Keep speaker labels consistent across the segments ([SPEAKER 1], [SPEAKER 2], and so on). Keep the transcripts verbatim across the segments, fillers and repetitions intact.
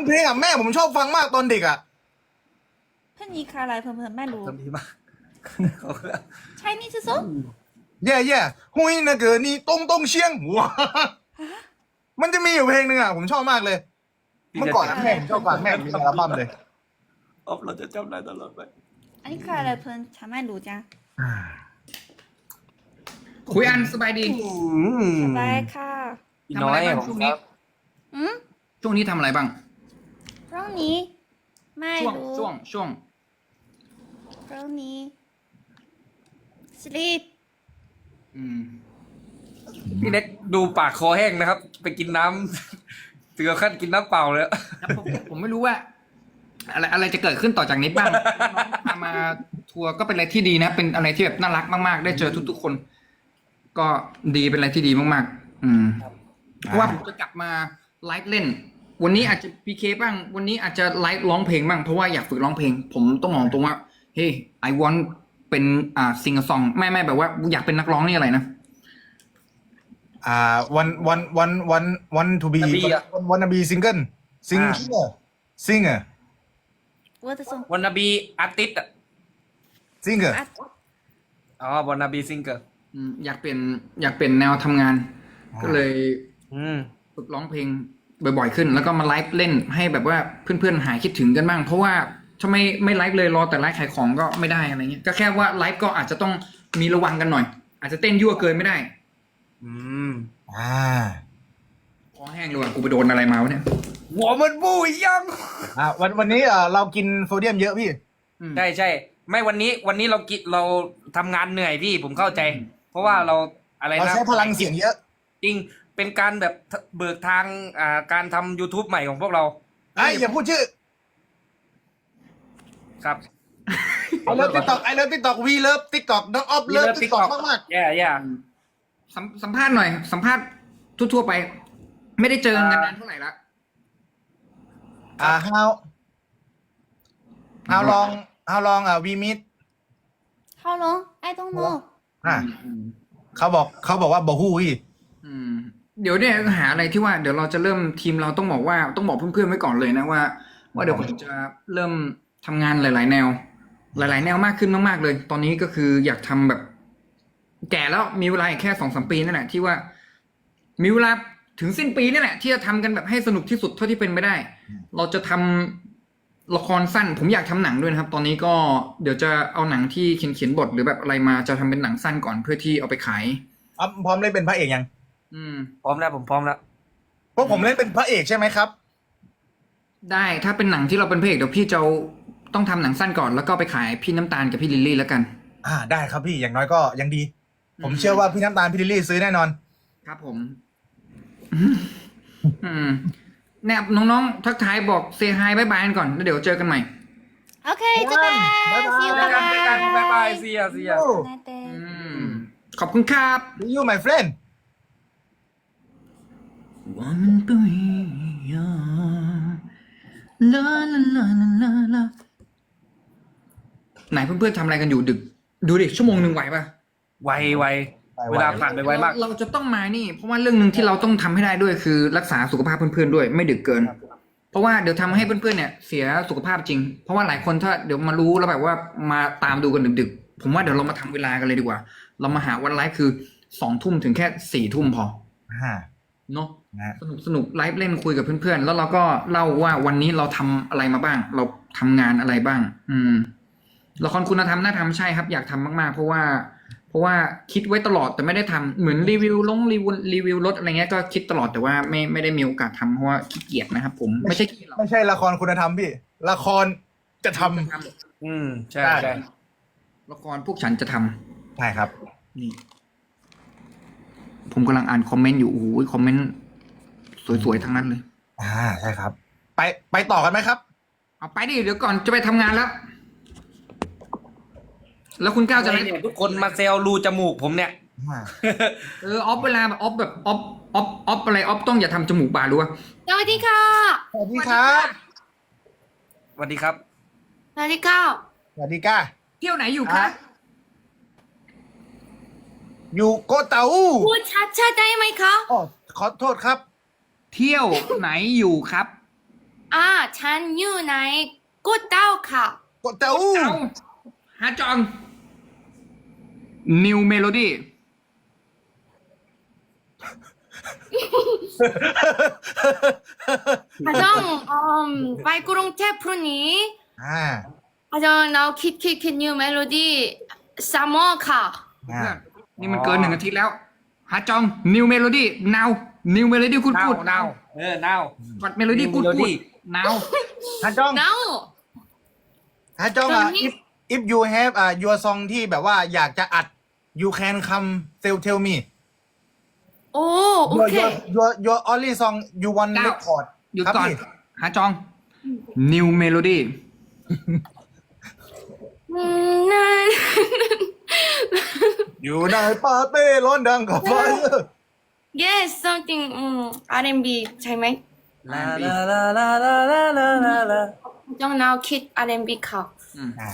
[SPEAKER 1] เพลงอ่ะแม่ผมชอบฟังมากตอนเด็กอ่ะ
[SPEAKER 2] เพลงนี้คืออะไรเพื่อนๆไม่รู้
[SPEAKER 3] ทำดีมาก
[SPEAKER 2] ใช่นี่คือโซ่
[SPEAKER 1] แย่แย่หุยนะเกิดนี่ตรงตรงเชียงว้ามันจะมีอยู่เพลงหนึ่งอ่ะผมชอบมากเลย เมื่อก่อนนะแม่ผมชอบฟังแม่ผมมีอัลบั้มเลย
[SPEAKER 3] ออฟเราจะจำได้ตลอดไป
[SPEAKER 2] อันนี้คืออะไรเพื่อนฉันไม่รู้จ้ะ
[SPEAKER 4] คุยอันสบายดี
[SPEAKER 2] สบายค่ะ
[SPEAKER 3] พี่น้อย
[SPEAKER 4] ทำอะไรบ้าง
[SPEAKER 3] ผม
[SPEAKER 4] ช่วง
[SPEAKER 3] ค
[SPEAKER 4] นี้
[SPEAKER 3] รับ
[SPEAKER 2] อืม
[SPEAKER 4] ช่วงนี้ทำอะไรบ้าง
[SPEAKER 2] เรื่องนี้ไม่
[SPEAKER 4] ช่วง
[SPEAKER 2] รู้
[SPEAKER 4] ช่วงช่วง
[SPEAKER 2] เรื่องนี้ sleep
[SPEAKER 4] อืม
[SPEAKER 3] พี่เล็กดูปากคอแห้งนะครับ ไปกินน้ำ ถึงกับขั้นกินน้ำเปล่าเลย
[SPEAKER 4] แล้วผมผมไม่รู้ว่า อะไรอะไรจะเกิดขึ้นต่อจากนี้บ้างพามาทัวร์ก็เป็นอะไรที่ดีนะ เป็นอะไรที่แบบน่ารักมากๆ ได้เจอทุกๆคน ก็ดีเป็นอะไรที่ดีมากๆ อืมเพราะว่าผมจะกลับมาไลฟ์เล่น วันนี้อาจจะพีเคบ้าง วันนี้อาจจะไลฟ์ร้องเพลงบ้างเพราะว่าอยากฝึกร้องเพลง ผมต้องมองตรงว่าเฮ้ย I want เป็นอ่าซิงซองไม่ไม่แบบว่าอยากเป็นนักร้องนี่อะไรนะ
[SPEAKER 1] อ่า one one one one one to be
[SPEAKER 3] Wanna be อะ
[SPEAKER 1] one wanna be single sing
[SPEAKER 3] อ่า
[SPEAKER 1] singer singer
[SPEAKER 2] what the song
[SPEAKER 3] วันนาบีอาร์ติสต์
[SPEAKER 1] singer
[SPEAKER 2] อ่ะ
[SPEAKER 3] อ๋อวันนาบีซิงเกอร์
[SPEAKER 4] อืมอยากเปลี่ยนอยากเปลี่ยนแนวทำงาน
[SPEAKER 1] อ่า
[SPEAKER 4] ก็เลย
[SPEAKER 3] อืม
[SPEAKER 4] ฝึกร้องเพลงบ่อยๆขึ้น แล้วก็มาไลฟ์เล่นให้แบบว่าเพื่อนๆหายคิดถึงกันบ้าง เพราะว่าถ้าไม่ไม่ไลฟ์เลยรอแต่ไลฟ์ขายของก็ไม่ได้อะไรเงี้ยก็แค่ว่าไลฟ์ก็อาจจะต้องมีระวังกันหน่อย อาจจะเต้นยั่วเกินไม่ได้
[SPEAKER 3] อืม
[SPEAKER 1] อ่า
[SPEAKER 4] คอแห้งเลยว่ะกูไปโดนอะไรมาวะเนี่ย
[SPEAKER 3] หัวมันบูยยัง
[SPEAKER 1] อ่าวันวันนี้เอ่อเรากินโซเดียมเยอะพี่
[SPEAKER 4] อืม
[SPEAKER 3] ใช่ใช่ไม่วันนี้วันนี้เรากิเราทำงานเหนื่อยพี่ผมเข้าใจ เพราะว่าเราอะไร
[SPEAKER 1] เรา
[SPEAKER 3] นะ
[SPEAKER 1] ใช้พลังเสียงเยอะ
[SPEAKER 3] จริงเป็นการแบบเบิกทางอ่าการทำ YouTube ใหม่ของพวกเรา
[SPEAKER 1] ไอ้ยอย่าพูดชื่อ
[SPEAKER 3] ครับ
[SPEAKER 1] ไอเลิฟติ๊กต็อกไอเลิฟติ๊กต็อกวีเลิฟติ๊กต็อกน้องออฟเลิฟติ๊กต็อกมาก
[SPEAKER 3] แย่แย่
[SPEAKER 4] สัมสัมภาษณ์หน่อย สัมภาษณ์ทั่วๆไป ไม่ได้เจอกันนานเท่าไหร่ละ
[SPEAKER 1] ๆอ่า how how long how long อ่ะ we meet
[SPEAKER 2] how long I don't know
[SPEAKER 1] อ่าเขาบอกเขาบอกว่าบอฮู้พี่
[SPEAKER 4] อืมเดี๋ยวเนี่ยหาอะไรที่ว่าเดี๋ยวเราจะเริ่มทีมเราต้องบอกว่าต้องบอกเพื่อนๆไว้ก่อนเลยนะว่า ว่าเดี๋ยวผมจะเริ่มทำงานหลาย ๆ แนว หลาย ๆ แนวมากขึ้นมากๆเลย ตอนนี้ก็คืออยากทำแบบ แก่แล้วมีเวลาอีกแค่สองสามปีนั่นแหละที่ว่า มีเวลาถึงสิ้นปีนี่แหละที่จะทำกันแบบให้สนุกที่สุดเท่าที่เป็นไปได้ เราจะทำละครสั้น ผมอยากทำหนังด้วยนะครับ ตอนนี้ก็เดี๋ยวจะเอาหนังที่เขียนเขียนบทหรือแบบอะไรมาจะทำเป็นหนังสั้นก่อนเพื่อที่เอาไปขาย
[SPEAKER 1] อ่ะพร้อมเล่นเป็นพระเอกยัง
[SPEAKER 4] อืม
[SPEAKER 3] พร้อมแล้วผมพร้อมแล้ว
[SPEAKER 1] พวกผมเล่นเป็นพระเอกใช่ไหมครับ
[SPEAKER 4] ได้ถ้าเป็นหนังที่เราเป็นพระเอกเดี๋ยวพี่จะเอาต้องทำหนังสั้นก่อนแล้วก็ไปขายพี่น้ำตาลกับพี่ลิลลี่แล้วกัน
[SPEAKER 1] อ่าได้ครับพี่อย่างน้อยก็ยังดี ผม
[SPEAKER 4] อืม
[SPEAKER 1] เชื่อว่าพี่น้ำตาลพี่ลิลลี่ซื้อแน่นอน
[SPEAKER 4] ครับผม อืมแนบน้องๆทักทายบอกเซฮายบายบายกันก่อนแล้วเดี๋ยวเจอกันใหม่
[SPEAKER 2] โอเคเจอกัน
[SPEAKER 1] บ๊ายบาย
[SPEAKER 2] see you
[SPEAKER 3] เจอกันเจอกัน
[SPEAKER 2] bye
[SPEAKER 3] บ๊ายบาย
[SPEAKER 2] bye
[SPEAKER 3] เสียเสีย
[SPEAKER 2] Night day
[SPEAKER 4] อืมขอบคุณครับ
[SPEAKER 1] See you my friend
[SPEAKER 4] ว่ามันปุยยาลาลาลาลาลาลาไหนเพื่อนๆทำอะไรกันอยู่ดึก ดูดิชั่วโมงหนึ่งไหวปะ
[SPEAKER 3] ไวไวเวลาผ่านไปไวมาก
[SPEAKER 4] เราเราจะต้องมานี่ เพราะว่าเรื่องหนึ่งที่เราต้องทำให้ได้ด้วยคือรักษาสุขภาพเพื่อนๆด้วยไม่ดึกเกิน เพราะว่าเดี๋ยวทำให้เพื่อนๆเนี่ยเสียสุขภาพจริง เพราะว่าหลายคนถ้าเดี๋ยวมารู้แล้วแบบว่ามาตามดูกันดึกๆ ผมว่าเดี๋ยวเรามาทำเวลากันเลยดีกว่า เรามาหาวันไลฟ์คือสองทุ่มถึงแค่สี่ทุ่มพอ
[SPEAKER 1] อ่า
[SPEAKER 4] เนาะ
[SPEAKER 1] นะ
[SPEAKER 4] สนุกสนุกไลฟ์เล่นคุยกับเพื่อนๆ แล้วเราก็เล่าว่าวันนี้เราทำอะไรมาบ้าง เราทำงานอะไรบ้าง อืมละครคุณธรรมน่าทำใช่ครับ อยากทำมากๆ เพราะว่า เพราะว่าคิดไว้ตลอดแต่ไม่ได้ทำเหมือนรีวิวลงรีวิวรีวิวรถอะไรเงี้ยก็คิดตลอดแต่ว่าไม่ไม่ได้มีโอกาสทำเพราะว่าขี้เกียจนะครับ ผมไม่ใช่ขี้เกียจหรอก
[SPEAKER 1] ไม่ใช่ละครคุณธรรมพี่ ละครจะทำ
[SPEAKER 3] อืมใช่
[SPEAKER 1] ได้
[SPEAKER 3] ใช่
[SPEAKER 4] ละครพวกฉันจะทำ
[SPEAKER 1] ใช่ครับ
[SPEAKER 4] นี่ ผมกำลังอ่านคอมเมนต์อยู่โอ้โหคอมเมนต์สวยๆทั้งนั้นเลย
[SPEAKER 1] อ่าใช่ครับ ไปไปต่อกันไหมครับ
[SPEAKER 4] เอาไปดิเดี๋ยวก่อนจะไปทำงานแล้ว แล้วคุณก้าวจะ
[SPEAKER 3] อะไร
[SPEAKER 4] ไลฟ์
[SPEAKER 3] เนี่ยทุกคนมาเซลรูจมูกผมเนี่ย
[SPEAKER 1] อ่า
[SPEAKER 4] เออออฟเวลาแบบออฟแบบออฟออฟออฟอะไรออฟต้องอย่าทำจมูกบานรู้ป่ะ
[SPEAKER 2] สวัสดีค่ะ
[SPEAKER 1] สวัสดีครับ
[SPEAKER 3] สวัสดีครับ
[SPEAKER 2] สวัสดีค่ะ
[SPEAKER 1] สวัสดีก้า
[SPEAKER 4] เที่ยวไหนอยู่คะ
[SPEAKER 1] อ่ะ อยู่โกเตา
[SPEAKER 2] พูดชัดๆได้ไหมคะ
[SPEAKER 1] อ๋อขอโทษครับ
[SPEAKER 4] เที่ยวไหนอยู่ครับ
[SPEAKER 2] อ่าฉันอยู่ในกูเต้าค่ะ
[SPEAKER 1] กดเต้า
[SPEAKER 4] เอาฮาจอง New Melody
[SPEAKER 2] อาจารย์อืมไปกรุงเทพพรุ่งนี้
[SPEAKER 1] อ่า
[SPEAKER 2] อาจารย์เราคิดคิดคิด new melody ซัมเมอร์ค่ะ
[SPEAKER 1] อ่า
[SPEAKER 4] นี่มันเกินหนึ่งอาทิตย์แล้วฮาจอง New Melody now New Melody กูด
[SPEAKER 3] นาว
[SPEAKER 4] กูด
[SPEAKER 3] นาวเออนาว
[SPEAKER 4] กด Melody
[SPEAKER 3] New
[SPEAKER 4] กูดกู
[SPEAKER 3] Melody
[SPEAKER 4] ด now
[SPEAKER 1] ฮาจอง
[SPEAKER 2] now
[SPEAKER 1] ฮาจองอ่ะ
[SPEAKER 2] ตอนนี้
[SPEAKER 1] if if you have อ่า your song ที่แบบว่าอยากจะอัด you can come tell tell me
[SPEAKER 2] โอ้โอ
[SPEAKER 1] your
[SPEAKER 2] เค
[SPEAKER 1] your your your only song you want
[SPEAKER 4] เก้า
[SPEAKER 1] record
[SPEAKER 4] หยุด
[SPEAKER 1] ครับ
[SPEAKER 4] ก่อน
[SPEAKER 1] พี่
[SPEAKER 4] ฮาจอง New Melody
[SPEAKER 2] อืมนั่น
[SPEAKER 1] อยู่ในปาร์ตี้ร้อนดังกับไฟ
[SPEAKER 2] yes something อืม อาร์ แอนด์ บี ใช่ไหม
[SPEAKER 3] ลาลาลาลาลาลาลาลาลา
[SPEAKER 2] จง now คิด อาร์ แอนด์ บี ค่ะ
[SPEAKER 1] อ่า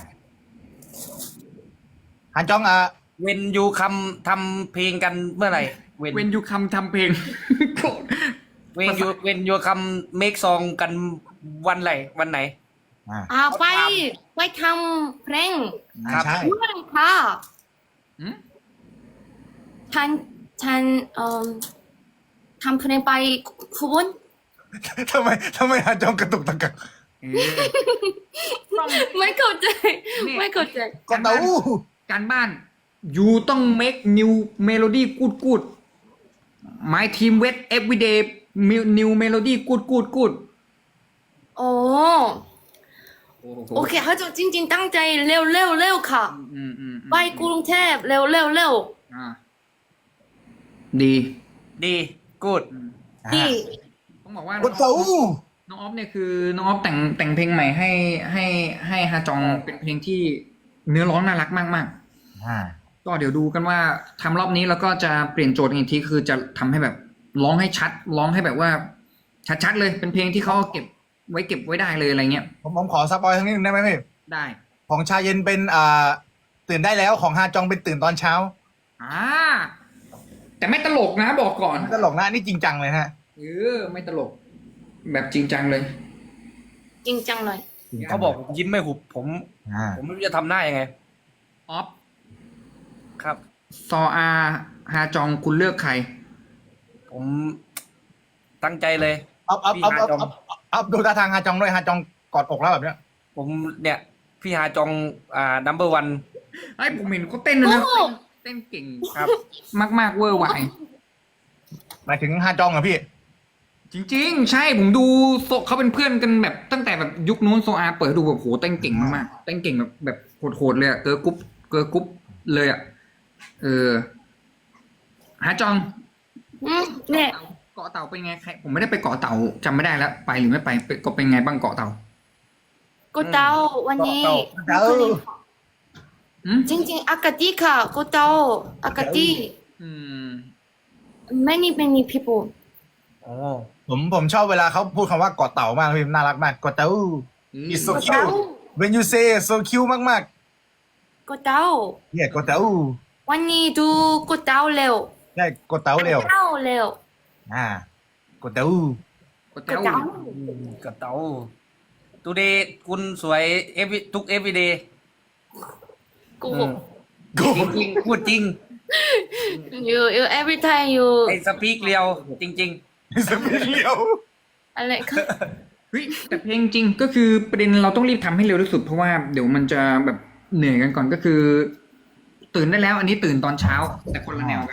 [SPEAKER 1] ฮันจองอ่ะ
[SPEAKER 3] เวนยูคำทำเพลงกันเมื่อไหร่เวน
[SPEAKER 4] When you come ทำเพลง
[SPEAKER 3] เวนยูเวนยูคำเมคซองกันวันไหนวันไหน
[SPEAKER 1] อ่า
[SPEAKER 2] อ่าไปไปทำเพลง
[SPEAKER 3] ครับ
[SPEAKER 1] ใช่
[SPEAKER 2] เมื่อไหร่ค่ะ
[SPEAKER 4] หืม
[SPEAKER 2] ฉันฉันเอ่อทำเพลงไปคุบน
[SPEAKER 1] ทำไมทำไมฮันจองกระตุกตะกัก
[SPEAKER 4] เออต้อง
[SPEAKER 2] ไม่เข้าใจ
[SPEAKER 4] นี่
[SPEAKER 2] ไม่เข้าใจ
[SPEAKER 1] กดเต้า
[SPEAKER 4] การบ้าน you ต้อง make new melody good good my team wait every day new melody good good good
[SPEAKER 2] โอ้โอเคเขาจะจริง ๆ ตั้งใจเร็วเร็วเร็วค่ะ
[SPEAKER 4] อืมอืมอืม
[SPEAKER 2] ไปกรุงเทพเร็วเร็วเร็ว
[SPEAKER 4] อ่าดี
[SPEAKER 3] ดีกูด
[SPEAKER 2] นี่
[SPEAKER 4] ต้องบอกว่าก
[SPEAKER 1] ดเต้า
[SPEAKER 4] น้องออฟเนี่ยคือน้องออฟแต่งแต่งเพลงใหม่ให้ให้ให้ฮาจองเป็นเพลงที่เนื้อร้องน่ารักมากมาก
[SPEAKER 1] อ่า
[SPEAKER 4] ๆก็เดี๋ยวดูกันว่าทำรอบนี้แล้วก็จะเปลี่ยนโจทย์อีกทีคือจะทำให้แบบร้องให้ชัด ร้องให้แบบว่า ชัดๆเลยเป็นเพลงที่เขาเก็บไว้เก็บไว้ได้เลยอะไรเงี้ย
[SPEAKER 1] ผมผมขอสปอยทั้งนิดนึงได้ไหมพี่
[SPEAKER 4] ได้
[SPEAKER 1] ของชาเย็นเป็นอ่าตื่นได้แล้วของฮาจองเป็นตื่นตอนเช้า
[SPEAKER 4] อ่าแต่ไม่ตลกนะบอกก่อน
[SPEAKER 1] ตลกนะอันนี่จริงจังเลยฮะ
[SPEAKER 4] เออไม่ตลก แบบจริงจังเลย
[SPEAKER 2] จริงจังเลย
[SPEAKER 3] เขาบอกผมยิ้มไม่หุบผม
[SPEAKER 1] อ่า
[SPEAKER 3] ผมไม่รู้จะทำหน้ายังไง
[SPEAKER 4] ออฟ
[SPEAKER 3] ครับ
[SPEAKER 4] ซออาฮาจองคุณเลือกใคร
[SPEAKER 3] ผมตั้งใจเลย
[SPEAKER 1] อัพอัพอัพอัพ
[SPEAKER 3] พี่ฮาจอง
[SPEAKER 1] อัพอัพดูท่าทางฮาจองด้วยฮาจองกอดอกแล้วแบบเนี้ย
[SPEAKER 3] ผมเนี่ย พี่ฮาจองอ่านัมเบอร์วัน
[SPEAKER 4] ไอ้ผมเห็นเขาเต้นนะนะ
[SPEAKER 2] โอ้
[SPEAKER 4] เต้นเก่ง
[SPEAKER 3] ครับ
[SPEAKER 4] มากมากๆเวอร์ไว
[SPEAKER 1] หมายถึงฮาจองเหรอพี่
[SPEAKER 4] จริง ๆ ใช่ผมดูโซเขาเป็นเพื่อนกันแบบตั้งแต่แบบยุคนู้นโซอาเปิดดูแบบโหเต้นเก่งมากๆเต้นเก่งแบบแบบโหดๆเลยอะเกอร์ลกรุ๊ปเกอร์ลกรุ๊ปเลยอะเออฮาจอง
[SPEAKER 2] อืมเนี่ย
[SPEAKER 4] เกาะเต่าเป็นไงใครผมไม่ได้ไปเกาะเต่าจำไม่ได้แล้วไปหรือไม่ไปไปก็เป็นไงบ้างเกาะเต่า
[SPEAKER 2] กูเต้าวันนี้
[SPEAKER 1] เต้า
[SPEAKER 4] อืม
[SPEAKER 2] จริงๆอากาศดีค่ะกูเต้าอากาศดี
[SPEAKER 4] อืม
[SPEAKER 2] many many people
[SPEAKER 3] โอ้
[SPEAKER 1] ผมผมชอบเวลาเขาพูดคำว่ากอดเต่ามากพี่น่ารักมากกอดเต่า It's so
[SPEAKER 2] กูเต้า
[SPEAKER 1] cute when you say so cute มากมาก
[SPEAKER 2] กูเต้า
[SPEAKER 1] ๆเนี่ยกอดเต่า
[SPEAKER 2] วันนี้ดูกูเต้าเร็ว
[SPEAKER 1] ใช่กอดเต่าเร็ว
[SPEAKER 2] เต้าเร็ว
[SPEAKER 1] อ่ากอดเต่า
[SPEAKER 4] ก็
[SPEAKER 2] กู
[SPEAKER 4] เต้า
[SPEAKER 2] เต้า
[SPEAKER 3] กับเต๋าตูเดย์คุณสวยเอฟทุกเอฟวีเดย์
[SPEAKER 2] กู
[SPEAKER 1] กู
[SPEAKER 3] จริงๆพูดจริง
[SPEAKER 2] you you every time you
[SPEAKER 3] ไอ้สปีกเรียว จริง
[SPEAKER 1] สมิเลียว
[SPEAKER 2] อะไรค่ะ
[SPEAKER 4] เฮ้ยแต่เพลงจริงก็คือประเด็นเราต้องรีบทำให้เร็วที่สุดเพราะว่าเดี๋ยวมันจะแบบเหนื่อยกันก่อนก็คือ ตื่นได้แล้ว อันนี้ตื่นตอนเช้า แต่คนละแนวกัน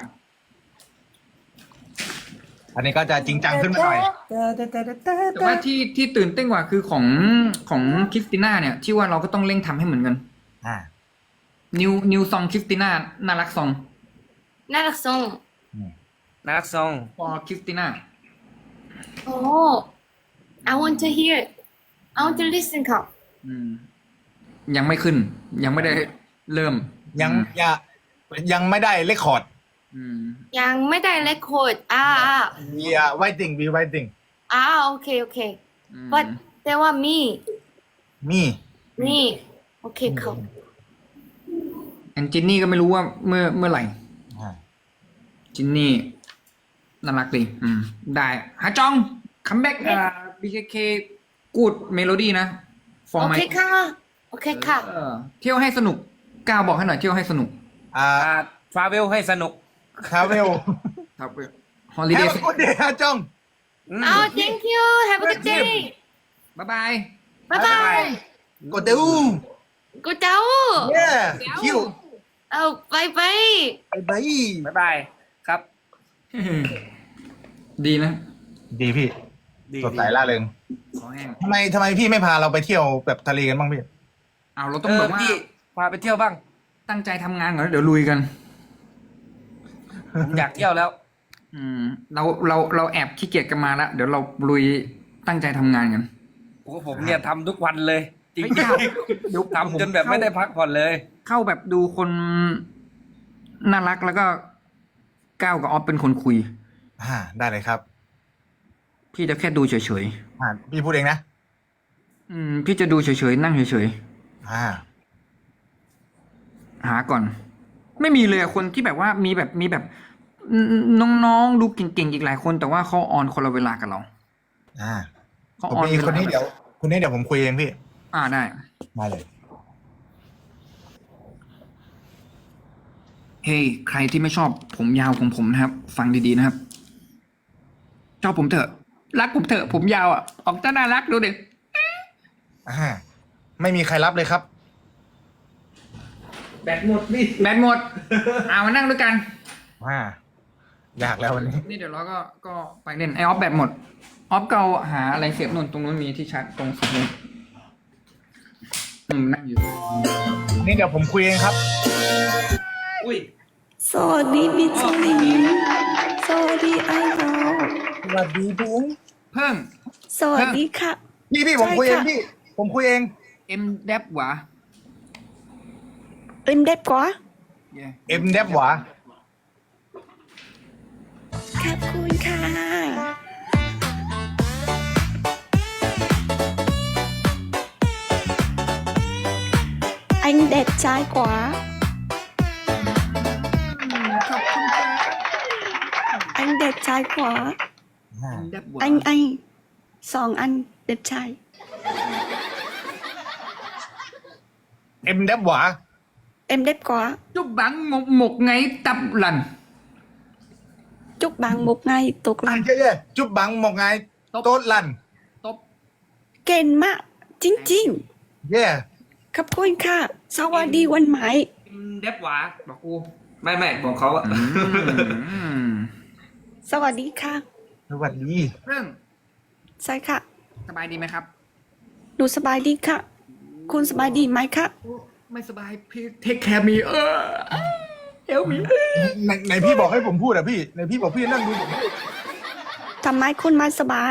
[SPEAKER 1] อันนี้ก็จะจริงจังขึ้นมาหน่อย
[SPEAKER 4] แต่ว่าที่ที่ตื่นเต้นกว่าคือของของคริสติน่าเนี่ย ที่ว่าเราก็ต้องเร่งทำให้เหมือนกัน
[SPEAKER 1] อ่า
[SPEAKER 4] นิวนิวซองคริสติน่าน่ารักซอง
[SPEAKER 2] น่ารักทรง
[SPEAKER 3] ๆ นักซอง
[SPEAKER 4] พอคริสติน่า
[SPEAKER 2] โอ้ I want to hear I want to listen ค่ะ
[SPEAKER 4] อืม ยังไม่ขึ้น ยังไม่ได้เริ่ม
[SPEAKER 1] ยังอย่ายังไม่ได้เลคคอร์ด
[SPEAKER 4] อืม
[SPEAKER 2] ยังไม่ได้เลคคอร์ดอ่าอ่า
[SPEAKER 1] we are waiting we waiting
[SPEAKER 2] อ่าโอเคโอเค
[SPEAKER 4] อืม
[SPEAKER 2] but แต่ว่ามี
[SPEAKER 1] มี
[SPEAKER 2] นี่โอเคค่ะ
[SPEAKER 4] แอนจินนี่ก็ไม่รู้ว่าเมื่อเมื่อไหร่
[SPEAKER 1] อ่า
[SPEAKER 4] จินนี่น่ารักดีอืม ได้ฮาจองคัมแบ็กอ่าบีเคเคกูดเมโลดี้นะ for
[SPEAKER 2] โอ
[SPEAKER 4] my
[SPEAKER 2] เคค่ะ โอเคค่ะ
[SPEAKER 4] เออเที่ยวให้สนุกก้าวบอกให้หน่อยเที่ยวให้สนุก
[SPEAKER 1] อ่า
[SPEAKER 3] อ่าทราเวลให้สนุก
[SPEAKER 1] ทราเวล
[SPEAKER 4] ครับฮอลิ
[SPEAKER 1] แฮ
[SPEAKER 4] เด
[SPEAKER 1] ป
[SPEAKER 4] ย์
[SPEAKER 1] ปี้เดย์ฮะจ้อง
[SPEAKER 2] อ๋อ thank you have a good day
[SPEAKER 4] บ๊ายบาย
[SPEAKER 2] บ๊ายบาย
[SPEAKER 1] กดเดู
[SPEAKER 2] กูเจ้า
[SPEAKER 1] เย้คิว
[SPEAKER 2] เอาไปไป
[SPEAKER 1] ไปไป
[SPEAKER 3] บ๊ายบายครับ
[SPEAKER 4] ดีนะ
[SPEAKER 1] ดีพี่
[SPEAKER 3] ดี
[SPEAKER 1] สดใสล่าเริง
[SPEAKER 4] ขอแห้ง
[SPEAKER 1] ทำไมทำไมพี่ไม่พาเราไปเที่ยวแบบทะเลกันบ้างพี่
[SPEAKER 4] เอาเรา
[SPEAKER 3] เอ
[SPEAKER 4] ต้อง
[SPEAKER 3] อ
[SPEAKER 4] แบบว่า
[SPEAKER 3] พี่พาไปเที่ยวบ้าง
[SPEAKER 4] ตั้งใจทำงานก่อนแล้วเดี๋ยวลุยกัน
[SPEAKER 3] ผมอยากเที่ยวแล้ว
[SPEAKER 4] อืม เราเราเราแอบขี้เกียจกันมาแล้วเดี๋ยวเราลุยตั้งใจทำงานกัน
[SPEAKER 3] โอ้ผมเนี่ยทำทุกวันเลย จริง
[SPEAKER 4] ไม่เอาเดี๋ยว
[SPEAKER 3] ๆทำจนแบบไม่ได้พักผ่อนเลย
[SPEAKER 4] เข้าแบบดูคนน่ารักแล้วก็ก้าวกับออฟเป็นคนคุย
[SPEAKER 1] อ่าได้เลยครับ
[SPEAKER 4] พี่จะแค่ดูเฉย
[SPEAKER 1] อ่าพี่พูดเองนะ
[SPEAKER 4] ๆอืม พี่จะดูเฉยๆนั่งเฉย
[SPEAKER 1] อ่า
[SPEAKER 4] ๆหาก่อน ไม่มีเลยอะคนที่แบบว่ามีแบบมีแบบน้องๆดูเก่งๆอีกหลายคน แต่ว่าเขาออนคนละเวลากับเรา
[SPEAKER 1] อ่า
[SPEAKER 4] เขา
[SPEAKER 1] ผม
[SPEAKER 4] ออน
[SPEAKER 1] มี
[SPEAKER 4] วลา
[SPEAKER 1] คนนี้เดี๋ยวคนนี้เดี๋ยวผมคุยเองพี่
[SPEAKER 4] อ่าได้
[SPEAKER 1] มาเลย
[SPEAKER 4] เฮ้ยใครที่ไม่ชอบผมยาวของผมนะครับ ฟังดีๆนะครับ ชอบผมเถอะ รักผมเถอะ ผมยาวอ่ะ ออกจะน่ารักดูดิ
[SPEAKER 1] อ่า ไม่มีใครรับเลยครับ
[SPEAKER 3] แบตหมดพี่
[SPEAKER 4] แบตหมด เอามานั่งด้วยกัน
[SPEAKER 1] อ่า อยากแล้ววันนี้
[SPEAKER 4] นี่เดี๋ยวเราก็ก็ไปเล่นไอออฟแบตหมด ออฟเกาหาอะไรเสียบนนตรงนู้นมีที่ชาร์จตรงสุดนู้นอืมนั่งอยู่
[SPEAKER 1] นี่เดี๋ยวผมคุยเองครับ
[SPEAKER 3] อุ้ย
[SPEAKER 5] สวัสดีพี่จิงสวัสดีไอ้เรา
[SPEAKER 1] สวัสดีพี่
[SPEAKER 4] เพิ่ง
[SPEAKER 5] สวัสดีค่ะ
[SPEAKER 1] พี่พี่ผมคุยเอง
[SPEAKER 5] ใช่ค่ะ
[SPEAKER 1] พี่ ผมคุยเอง
[SPEAKER 4] เอ็มเดบหวา
[SPEAKER 5] เอ็มเด็บกว่า
[SPEAKER 4] เย่
[SPEAKER 1] เอ็มเดฟหวา
[SPEAKER 5] ขอบคุณค่ะอันเด็ดใจกว่า
[SPEAKER 4] ขอบคุณค่ะ
[SPEAKER 5] อันเด็ดใจกว่า
[SPEAKER 4] เอ็มเดบหวา
[SPEAKER 5] อันอันสองอันเด็ดใจ
[SPEAKER 1] เอ็มเดฟหวา
[SPEAKER 5] เอ็มเด็บกว่า
[SPEAKER 4] จุบบังหมกหมกไงตับหลัน
[SPEAKER 5] จุกบางมุกไงตก
[SPEAKER 1] อ่า
[SPEAKER 5] ลัน
[SPEAKER 1] นเย้ๆจุบบังหมกไงโต๊ดลัน
[SPEAKER 4] ตบ
[SPEAKER 5] เก่งมากจริง
[SPEAKER 1] เย่
[SPEAKER 5] ๆขอบคุณค่ะ สวัสดีวันใหม่
[SPEAKER 3] เอ็มเดฟหวา
[SPEAKER 4] บอกกู
[SPEAKER 3] ไม่ไม่บอกเขาอะ
[SPEAKER 4] อืม
[SPEAKER 5] สวัสดีค่ะ
[SPEAKER 1] สวัสดี
[SPEAKER 4] เพิ่ง
[SPEAKER 5] ใช่ค่ะ
[SPEAKER 4] สบายดีไหมครับ
[SPEAKER 5] หนูสบายดีค่ะ คุณสบายดีไหมคะ
[SPEAKER 4] ไม่สบายพี่เทคแคร์มีเออเอลมี
[SPEAKER 1] ในในพี่บอกให้ผมพูดอะพี่ในพี่บอกพี่นั่งดูผมพูด
[SPEAKER 5] ทำไมคุณไม่สบาย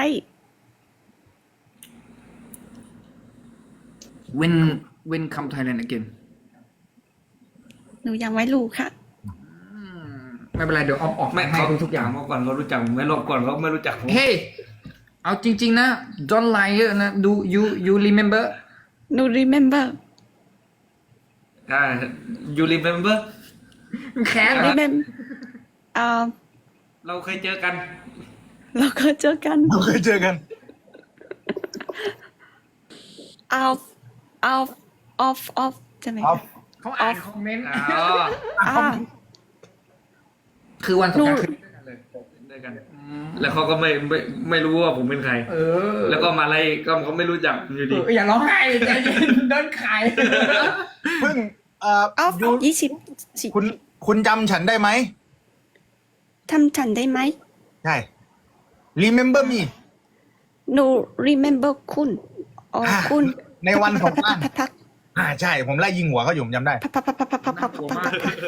[SPEAKER 4] when when come Thailand again
[SPEAKER 5] หนูยังไม่รู้ค่ะ
[SPEAKER 4] ไม่เป็นไรเดี๋ยวออฟออก
[SPEAKER 3] ไม่
[SPEAKER 4] ให้
[SPEAKER 3] เขา
[SPEAKER 4] ทุ
[SPEAKER 3] ทุ
[SPEAKER 4] ก
[SPEAKER 3] ก
[SPEAKER 4] ๆอย่าง
[SPEAKER 3] เมื่อก่อนเขารู้จักผมไม่รอบก่อนเขาไม่รู้จักผม
[SPEAKER 4] เฮ้ยเอาจริง ๆ นะ don't lie เยอะนะ do you you remember
[SPEAKER 5] หนู remember
[SPEAKER 3] อ่า you remember
[SPEAKER 4] แค้นเหรอ
[SPEAKER 5] remember อ่า
[SPEAKER 3] เราเคยเจอกัน
[SPEAKER 5] เราก็เจอกัน
[SPEAKER 1] เราเคยเจอกัน
[SPEAKER 5] off off off off ใช่ไหม
[SPEAKER 1] เอา
[SPEAKER 5] คะ
[SPEAKER 4] เขาอ่านคอมเมนต์
[SPEAKER 3] อ๋อ
[SPEAKER 5] อ่า
[SPEAKER 4] คือวันสงกรานต์
[SPEAKER 5] หนู
[SPEAKER 4] คือด้วยกันเลย
[SPEAKER 3] ด้วยกัน แล้วเขาก็ไม่ไม่ไม่รู้ว่าผมเป็นใคร
[SPEAKER 4] เออ
[SPEAKER 3] แล้วก็มาไล่ก็เขาไม่รู้จักผมอยู่
[SPEAKER 4] เอ
[SPEAKER 3] ดี
[SPEAKER 4] ออย่าร้องไห้ใจเย็นโดนขาย
[SPEAKER 1] เพิ่งเอ่อ
[SPEAKER 5] off
[SPEAKER 1] ยู
[SPEAKER 5] ยี่สิบสิ
[SPEAKER 1] คุณคุณจำฉันได้ไหม
[SPEAKER 5] ทำฉันได้ไหม
[SPEAKER 1] ใช่ remember me
[SPEAKER 5] หนู remember คุณอ๋อ
[SPEAKER 1] อ่า
[SPEAKER 5] คุณ
[SPEAKER 1] ในวันสงกรานต์
[SPEAKER 5] พักพัก
[SPEAKER 1] อ่าใช่ผมไล่ยิงหัวเขาอยู่ผมจำได้
[SPEAKER 5] พักพักพักพักพักพักพักพักพักพักพัก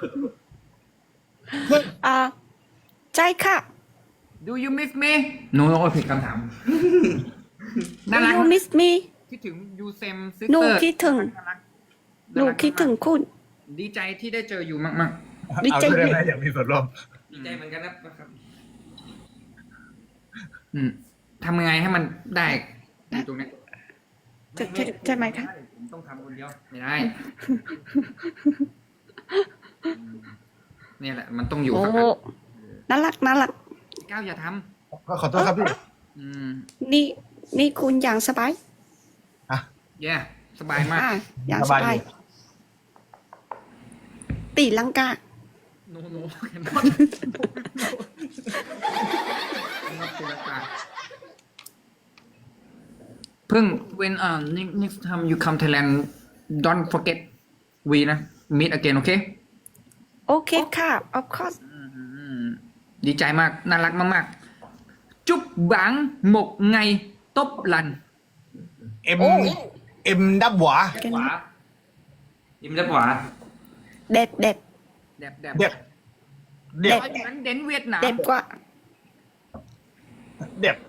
[SPEAKER 5] อ่าใจค่ะ
[SPEAKER 4] do you miss me no no ผิดคำถาม น่า
[SPEAKER 5] Do
[SPEAKER 4] รัก
[SPEAKER 5] you miss me
[SPEAKER 4] คิดถึง you same
[SPEAKER 5] หนู
[SPEAKER 4] sister
[SPEAKER 5] คิดถึง
[SPEAKER 4] น่ารัก
[SPEAKER 5] หนูคิดถึงคุณ
[SPEAKER 4] ดีใจที่ได้เจออยู่มาก
[SPEAKER 5] ดี
[SPEAKER 1] เอา
[SPEAKER 5] ใจ
[SPEAKER 1] ด้วยนะอยากมีส่วนร่วม
[SPEAKER 3] ดีใจเหมือนกันนะครับ
[SPEAKER 4] ๆอืมทำยังไงให้มันได้อยู่ตรงเนี้ย
[SPEAKER 5] จะจะจะไหมคะ
[SPEAKER 3] ผมต้องทำคนเดียว
[SPEAKER 4] ไม่ได้ เนี่ยแหละ มันต้องอยู่
[SPEAKER 5] โอ้
[SPEAKER 4] สักอัน
[SPEAKER 5] น่ารักน่ารัก
[SPEAKER 4] ก้าวอย่าท
[SPEAKER 1] ก็ขอโทษครับพี่
[SPEAKER 4] ำอืม
[SPEAKER 5] นี่นี่คุณอย่างสบาย
[SPEAKER 4] แย่สบายมาก
[SPEAKER 5] อ่ะอย่าง
[SPEAKER 1] ส
[SPEAKER 5] ส
[SPEAKER 1] บาย
[SPEAKER 5] บาย
[SPEAKER 1] อยู่
[SPEAKER 5] ตีลังกา
[SPEAKER 4] โนโนแคนนอตเพิ่ง when uh next time you come Thailand don't forget we นะ meet again โอเค
[SPEAKER 5] โอเคค่ะ of course
[SPEAKER 4] ดีใจมาก น่ารักมากๆ จุ๊บบังหมกไงตบลัน
[SPEAKER 1] เอ็มเอ็มดับหวา
[SPEAKER 3] ขวายิ้มด้านขวา
[SPEAKER 5] เด็ดเด็ด
[SPEAKER 4] แดบแดบ
[SPEAKER 1] เด็บเด็บ
[SPEAKER 4] เพราะฉะนั้นเดนเวียดนาม
[SPEAKER 5] เด็ดกว่า
[SPEAKER 1] เด็บ